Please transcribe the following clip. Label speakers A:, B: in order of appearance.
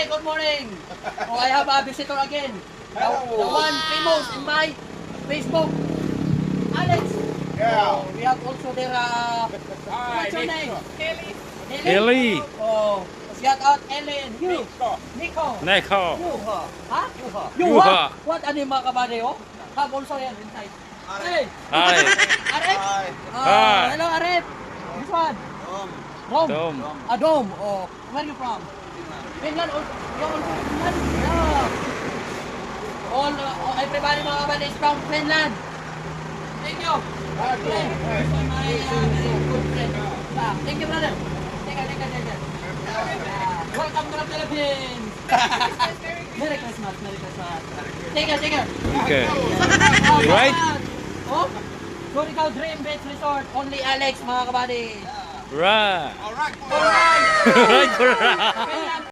A: Hey, good morning. Oh, I have a visitor again. The one famous in my Facebook. Alex.
B: Yeah.
A: Oh, we have also their, what's your name? Kelly.
C: Kelly.
A: Oh, shout out Ellie and you. Nico.
C: Neko.
A: Yuha. Huh?
C: Yuha.
A: Yuha. What ano yung mga kabady, oh? Have also yan inside. Hey.
C: Hi.
A: Arif.
C: Hi.
A: Hello, Arif. Which one? Rome.
C: Dome.
A: Dome. Oh, where are you from? Finland. You're also Finland? Yeah. Everybody mga kabady is from Finland. Thank you. Okay. So my very good friend. Thank you, brother. Thank you. Welcome to the Philippines. Merry Christmas. Take care.
C: Okay. Right?
A: Oh, Surigao Dream Beach Resort. Only Alex, mga kabady.
C: Right.
B: Alright.
A: Alright.
C: Right.
A: Finland.